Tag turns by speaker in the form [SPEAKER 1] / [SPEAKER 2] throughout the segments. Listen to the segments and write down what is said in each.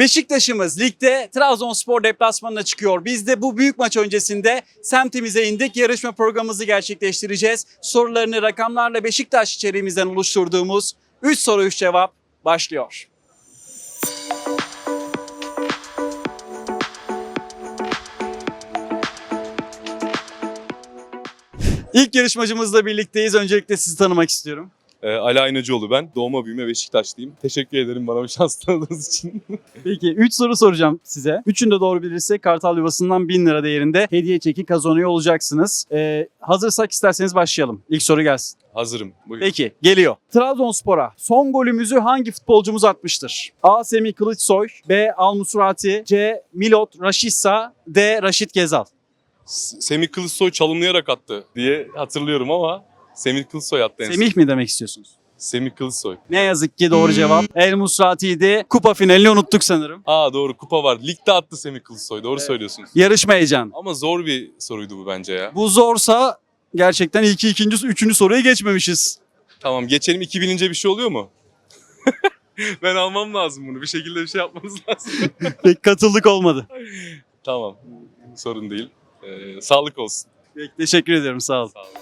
[SPEAKER 1] Beşiktaş'ımız ligde Trabzonspor deplasmanına çıkıyor. Biz de bu büyük maç öncesinde semtimize indik. Yarışma programımızı gerçekleştireceğiz. Sorularını rakamlarla Beşiktaş içeriğimizden oluşturduğumuz 3 soru 3 cevap başlıyor. İlk yarışmacımızla birlikteyiz. Öncelikle sizi tanımak istiyorum.
[SPEAKER 2] Ali Aynacıoğlu ben. Doğma büyüme Beşiktaşlıyım. Teşekkür ederim bana bu şans tanıdığınız için.
[SPEAKER 1] Peki 3 soru soracağım size. Üçünü de doğru bilirsek Kartal Yuvası'ndan 1000 lira değerinde hediye çeki kazanıyor olacaksınız. Hazırsak isterseniz başlayalım. İlk soru gelsin.
[SPEAKER 2] Hazırım. Buyurun.
[SPEAKER 1] Peki geliyor. Trabzonspor'a son golümüzü hangi futbolcumuz atmıştır? A. Semih Kılıçsoy, B. Al-Musrati, C. Milot Rashica, D. Raşit Gezal.
[SPEAKER 2] Semih Kılıçsoy çalımlayarak attı diye hatırlıyorum ama Semih Kılıçsoy attı en son.
[SPEAKER 1] Semih mi demek istiyorsunuz?
[SPEAKER 2] Semih Kılıçsoy.
[SPEAKER 1] Ne yazık ki doğru cevap. El Musrati'ydi. Kupa finalini unuttuk sanırım.
[SPEAKER 2] Doğru, kupa var. Ligde attı Semih Kılıçsoy. Doğru söylüyorsunuz.
[SPEAKER 1] Yarışma heyecanı.
[SPEAKER 2] Ama zor bir soruydu bu bence ya.
[SPEAKER 1] Bu zorsa gerçekten ilk, ikinci, üçüncü soruya geçmemişiz.
[SPEAKER 2] Tamam, geçelim. 2 bilince bir şey oluyor mu? Ben almam lazım bunu. Bir şekilde bir şey yapmanız lazım.
[SPEAKER 1] Pek katıldık olmadı.
[SPEAKER 2] Tamam. Sorun değil. Sağlık olsun.
[SPEAKER 1] Peki, teşekkür ediyorum, sağ olun.
[SPEAKER 2] Sağ olun.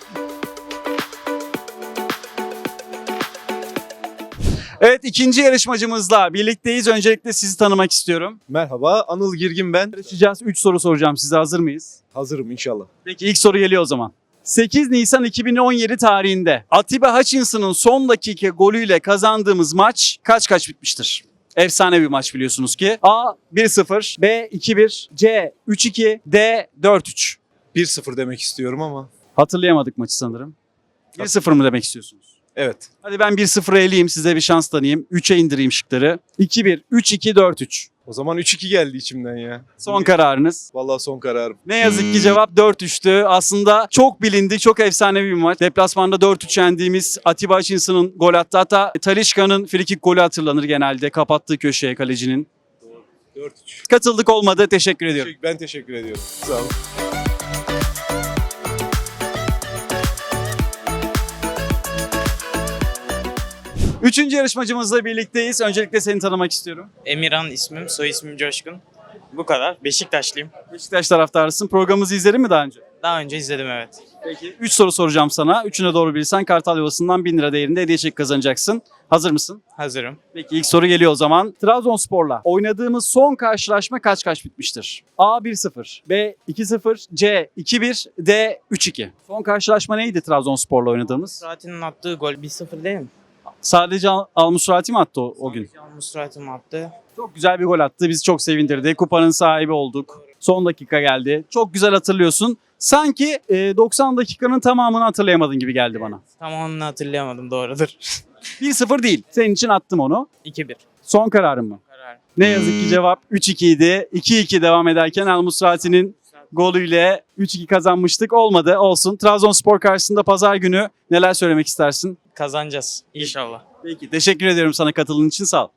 [SPEAKER 1] Evet, ikinci yarışmacımızla birlikteyiz. Öncelikle sizi tanımak istiyorum.
[SPEAKER 3] Merhaba, Anıl Girgin ben.
[SPEAKER 1] Yarışacağız. 3 soru soracağım size. Hazır mıyız?
[SPEAKER 3] Hazırım inşallah.
[SPEAKER 1] Peki ilk soru geliyor o zaman. 8 Nisan 2017 tarihinde Atiba Hutchinson'ın son dakika golüyle kazandığımız maç kaç bitmiştir? Efsane bir maç biliyorsunuz ki. A 1-0, B 2-1, C 3-2, D 4-3.
[SPEAKER 3] 1-0 demek istiyorum ama.
[SPEAKER 1] Hatırlayamadık maçı sanırım. 1-0 mı demek istiyorsunuz?
[SPEAKER 3] Evet.
[SPEAKER 1] Hadi ben 1-0'a eleyeyim, size bir şans tanıyayım. 3'e indireyim şıkları. 2-1, 3-2, 4-3.
[SPEAKER 3] O zaman 3-2 geldi içimden ya.
[SPEAKER 1] Son kararınız.
[SPEAKER 3] Vallahi son kararım.
[SPEAKER 1] Ne yazık ki cevap 4-3'tü. Aslında çok bilindi, çok efsanevi bir maç. Deplasmanda 4-3 yendiğimiz Atiba Hutchinson'ın gol attı. Hatta Talisca'nın frikik golü hatırlanır genelde. Kapattığı köşeye kalecinin.
[SPEAKER 3] 4-3.
[SPEAKER 1] Katıldık olmadı. Teşekkür ediyorum.
[SPEAKER 3] Ben teşekkür ediyorum. Sağ olun.
[SPEAKER 1] Üçüncü yarışmacımızla birlikteyiz. Öncelikle seni tanımak istiyorum.
[SPEAKER 4] Emirhan ismim, soy ismim Coşkun. Bu kadar. Beşiktaşlıyım.
[SPEAKER 1] Beşiktaş taraftarısın. Programımızı izledin mi daha önce?
[SPEAKER 4] Daha önce izledim, evet.
[SPEAKER 1] Peki. 3 soru soracağım sana. Üçüne doğru bilirsen Kartal Yuvası'ndan 1000 lira değerinde hediye çeki kazanacaksın. Hazır mısın?
[SPEAKER 4] Hazırım.
[SPEAKER 1] Peki ilk soru geliyor o zaman. Trabzonspor'la oynadığımız son karşılaşma kaç bitmiştir? A 1-0, B 2-0, C 2-1, D 3-2. Son karşılaşma neydi Trabzonspor'la oynadığımız?
[SPEAKER 4] Musrati'nin attığı gol 1-0 değil mi?
[SPEAKER 1] Sadece Al-Musrati mi attı o gün?
[SPEAKER 4] Musrati mi attı?
[SPEAKER 1] Çok güzel bir gol attı. Bizi çok sevindirdi. Kupanın sahibi olduk. Son dakika geldi. Çok güzel hatırlıyorsun. Sanki 90 dakikanın tamamını hatırlayamadın gibi geldi bana.
[SPEAKER 4] Tamamını hatırlayamadım, doğrudur.
[SPEAKER 1] 1-0 değil. Senin için attım onu.
[SPEAKER 4] 2-1.
[SPEAKER 1] Son kararın mı?
[SPEAKER 4] Karar.
[SPEAKER 1] Ne yazık ki cevap 3-2 idi. 2-2 devam ederken Al-Musrati'nin golüyle 3-2 kazanmıştık. Olmadı, olsun. Trabzonspor karşısında pazar günü neler söylemek istersin?
[SPEAKER 4] Kazanacağız inşallah.
[SPEAKER 1] Peki, teşekkür ediyorum sana katıldığın için, sağ ol.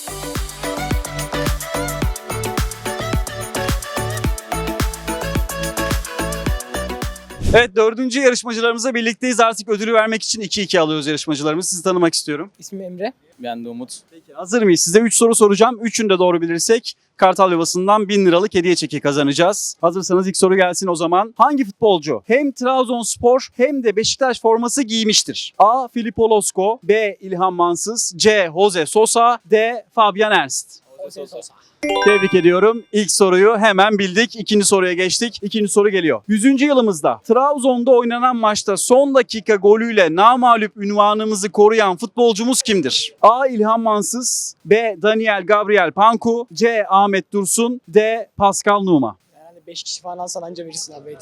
[SPEAKER 1] Evet, dördüncü yarışmacılarımızla birlikteyiz. Artık ödülü vermek için 2-2 alıyoruz yarışmacılarımızı. Sizi tanımak istiyorum.
[SPEAKER 5] İsmim Emre. Ben de Umut.
[SPEAKER 1] Peki, hazır mıyız? Size 3 soru soracağım. Üçünü de doğru bilirsek Kartal Yuvası'ndan 1000 liralık hediye çeki kazanacağız. Hazırsanız ilk soru gelsin o zaman. Hangi futbolcu hem Trabzonspor hem de Beşiktaş forması giymiştir? A. Filippo Losko, B. İlhan Mansız, C. Jose Sosa, D. Fabian Ernst.
[SPEAKER 5] Jose Sosa.
[SPEAKER 1] Tebrik ediyorum. İlk soruyu hemen bildik. İkinci soruya geçtik. İkinci soru geliyor. 100. yılımızda Trabzon'da oynanan maçta son dakika golüyle namağlup ünvanımızı koruyan futbolcumuz kimdir? A. İlhan Mansız, B. Daniel Gabriel Panku, C. Ahmet Dursun, D. Pascal Numa.
[SPEAKER 5] Herhalde 5 kişi falan alsan anca verirsin abi.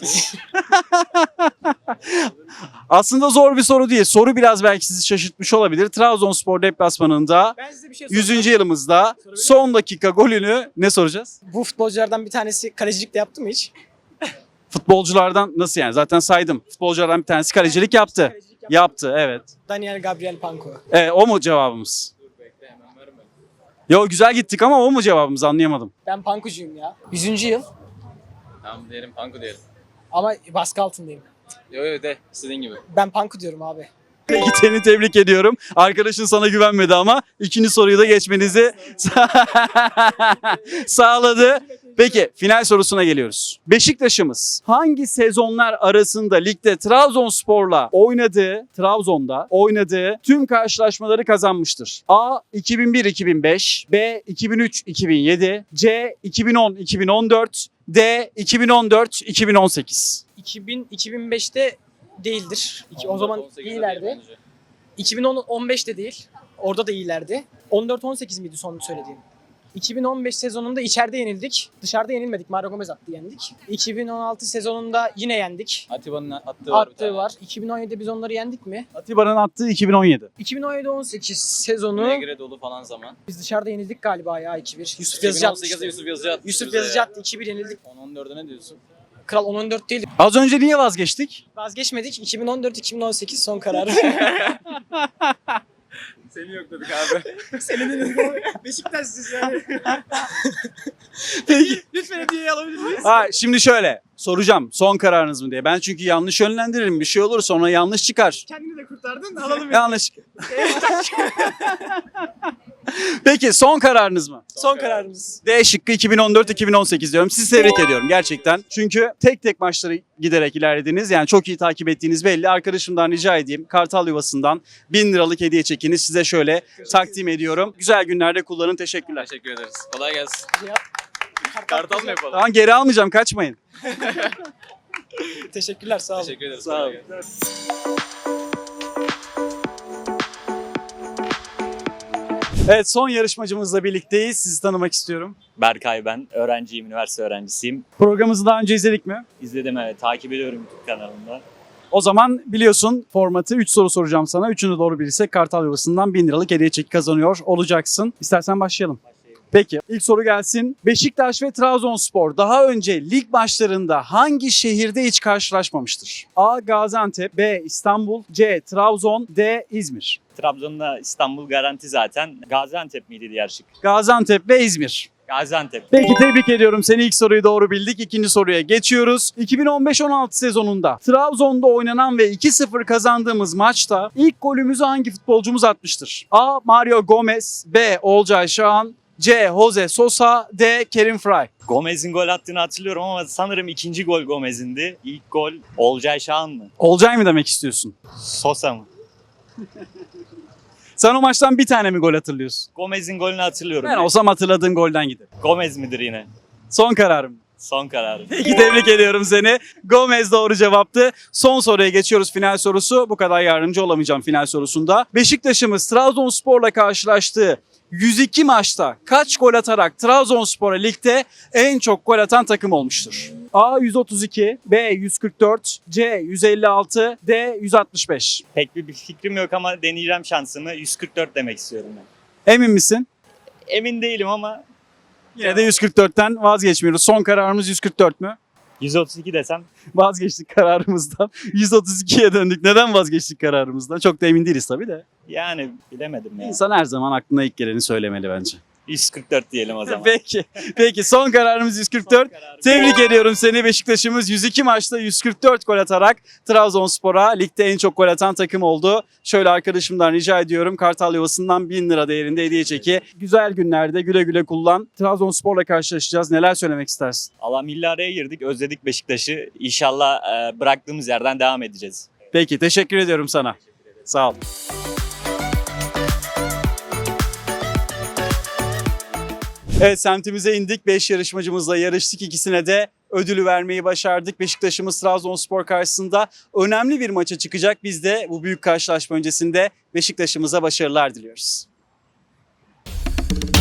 [SPEAKER 1] Aslında zor bir soru değil. Soru biraz belki sizi şaşırtmış olabilir. Trabzonspor deplasmanında
[SPEAKER 5] Ben size bir şey
[SPEAKER 1] 100. yılımızda son dakika golünü ne soracağız?
[SPEAKER 5] Bu futbolculardan bir tanesi kalecilik de yaptı mı hiç?
[SPEAKER 1] Futbolculardan nasıl yani? Zaten saydım. Futbolculardan bir tanesi kalecilik yaptı. Yaptı, evet.
[SPEAKER 5] Daniel Gabriel Panko.
[SPEAKER 1] O mu cevabımız? Yo, güzel gittik ama o mu cevabımız, anlayamadım.
[SPEAKER 5] Ben Pankucuyum ya. 100. yıl
[SPEAKER 6] Tamam diyelim, Panku diyelim.
[SPEAKER 5] ama baskı altındayım.
[SPEAKER 6] Yo de, istediğin gibi.
[SPEAKER 5] Ben Panku diyorum abi.
[SPEAKER 1] Peki seni tebrik ediyorum. Arkadaşın sana güvenmedi ama ikinci soruyu da geçmenizi sağladı. Peki final sorusuna geliyoruz. Beşiktaş'ımız hangi sezonlar arasında ligde Trabzonspor'la Trabzon'da oynadığı tüm karşılaşmaları kazanmıştır? A. 2001-2005, B. 2003-2007, C. 2010-2014, D. 2014-2018.
[SPEAKER 5] 2005'te değildir. O zaman iyilerdi. 2010-15'te değil. Orada da iyilerdi. 14-18 miydi son söylediğim? 2015 sezonunda içeride yenildik. Dışarıda yenilmedik. Mario Gomez attı, yendik. 2016 sezonunda yine yendik.
[SPEAKER 6] Atiba'nın attığı var bir
[SPEAKER 5] Attığı
[SPEAKER 6] tane.
[SPEAKER 5] var. 2017'de biz onları yendik mi?
[SPEAKER 1] Atiba'nın attığı 2017.
[SPEAKER 5] 2017-18 sezonu
[SPEAKER 6] Negre dolu falan zaman.
[SPEAKER 5] biz dışarıda yenildik galiba ya 2-1. Yusuf Yazıcı attı
[SPEAKER 6] 2018'de
[SPEAKER 5] işte.
[SPEAKER 6] Yusuf Yazıcı attı.
[SPEAKER 5] Yusuf
[SPEAKER 6] bize
[SPEAKER 5] Yazıcı
[SPEAKER 6] ya.
[SPEAKER 5] attı 2-1 yenildik.
[SPEAKER 6] 10-14'e ne diyorsun?
[SPEAKER 5] Kral 10-14 değil.
[SPEAKER 1] Az önce niye vazgeçtik?
[SPEAKER 5] Vazgeçmedik. 2014-2018 son kararı.
[SPEAKER 6] Seni yok dedik abi.
[SPEAKER 5] Senin Beşiktaş'sız yani.
[SPEAKER 1] Peki.
[SPEAKER 5] Lütfen hediyeyi alabilir miyiz?
[SPEAKER 1] Şimdi şöyle soracağım son kararınız mı diye. Ben çünkü yanlış yönlendiririm. Bir şey olur sonra yanlış çıkar.
[SPEAKER 5] Kendini de kurtardın. Alalım.
[SPEAKER 1] Yanlış. Peki son kararınız mı?
[SPEAKER 5] Son kararımız.
[SPEAKER 1] D şıkkı 2014-2018 diyorum. Sizi tebrik ediyorum gerçekten. Çünkü tek tek maçları giderek ilerlediniz. Yani çok iyi takip ettiğiniz belli. Arkadaşımdan rica edeyim. Kartal Yuvası'ndan 1000 liralık hediye çekini size şöyle takdim ediyorum. Güzel günlerde kullanın. Teşekkürler.
[SPEAKER 6] Teşekkür ederiz. Kolay gelsin.
[SPEAKER 5] Kartal
[SPEAKER 6] mı yapalım?
[SPEAKER 1] Tamam geri almayacağım. Kaçmayın.
[SPEAKER 5] Teşekkürler sağ olun.
[SPEAKER 6] Teşekkür ederiz.
[SPEAKER 1] Sağ olun. Evet son yarışmacımızla birlikteyiz. Sizi tanımak istiyorum.
[SPEAKER 7] Berkay ben. Öğrenciyim, üniversite öğrencisiyim.
[SPEAKER 1] Programımızı daha önce izledik mi?
[SPEAKER 7] İzledim, evet. Takip ediyorum YouTube kanalında.
[SPEAKER 1] O zaman biliyorsun formatı 3 soru soracağım sana. 3'ünü doğru bilirsek Kartal Yuvası'ndan 1000 liralık hediye çeki kazanıyor olacaksın. İstersen başlayalım. Peki ilk soru gelsin. Beşiktaş ve Trabzonspor daha önce lig maçlarında hangi şehirde hiç karşılaşmamıştır? A. Gaziantep, B. İstanbul, C. Trabzon, D. İzmir.
[SPEAKER 7] Trabzon'da İstanbul garanti zaten. Gaziantep miydi diğer şık?
[SPEAKER 1] Gaziantep ve İzmir.
[SPEAKER 7] Gaziantep.
[SPEAKER 1] Peki tebrik ediyorum seni, ilk soruyu doğru bildik. İkinci soruya geçiyoruz. 2015-16 sezonunda Trabzon'da oynanan ve 2-0 kazandığımız maçta ilk golümüzü hangi futbolcumuz atmıştır? A. Mario Gomez, B. Olcay Şahan, C. Jose Sosa, D. Kerim Fry.
[SPEAKER 7] Gomez'in gol attığını hatırlıyorum ama sanırım ikinci gol Gomez'indi. İlk gol Olcay Şahan mı?
[SPEAKER 1] Olcay mı demek istiyorsun?
[SPEAKER 7] Sosa mı?
[SPEAKER 1] Sen o maçtan bir tane mi gol hatırlıyorsun?
[SPEAKER 7] Gomez'in golünü hatırlıyorum.
[SPEAKER 1] Ben olsam hatırladığın golden giderim.
[SPEAKER 7] Gomez midir yine?
[SPEAKER 1] Son kararım.
[SPEAKER 7] Son kararım.
[SPEAKER 1] Peki tebrik ediyorum seni. Gomez doğru cevaptı. Son soruya geçiyoruz, final sorusu. Bu kadar yardımcı olamayacağım final sorusunda. Beşiktaş'ımız Trabzonspor'la karşılaştığı 102 maçta kaç gol atarak Trabzonspor'a ligde en çok gol atan takım olmuştur? A 132, B 144, C 156, D 165.
[SPEAKER 7] Pek bir fikrim yok ama deneyeceğim şansımı. 144 demek istiyorum ben.
[SPEAKER 1] Emin misin?
[SPEAKER 7] Emin değilim ama
[SPEAKER 1] Yine de 144'ten vazgeçmiyoruz. Son kararımız 144 mü?
[SPEAKER 7] 132 desem.
[SPEAKER 1] Vazgeçtik kararımızdan. 132'ye döndük. Neden vazgeçtik kararımızdan? Çok da emin değiliz tabii de.
[SPEAKER 7] Yani bilemedim ya.
[SPEAKER 1] İnsan her zaman aklına ilk geleni söylemeli bence.
[SPEAKER 7] 144 diyelim o zaman.
[SPEAKER 1] Peki. Peki son kararımız 144. Tebrik ediyorum seni. Beşiktaş'ımız 102 maçta 144 gol atarak Trabzonspor'a ligde en çok gol atan takım oldu. Şöyle arkadaşımdan rica ediyorum. Kartal Yuvası'ndan 1000 lira değerinde hediye çeki. Güzel günlerde güle güle kullan. Trabzonspor'la karşılaşacağız. Neler söylemek istersin?
[SPEAKER 7] Allah milli araya girdik. Özledik Beşiktaş'ı. İnşallah bıraktığımız yerden devam edeceğiz.
[SPEAKER 1] Peki teşekkür ediyorum sana. Sağ ol. Evet semtimize indik. 5 yarışmacımızla yarıştık. İkisine de ödülü vermeyi başardık. Beşiktaş'ımız Trabzonspor karşısında önemli bir maça çıkacak. Biz de bu büyük karşılaşma öncesinde Beşiktaş'ımıza başarılar diliyoruz.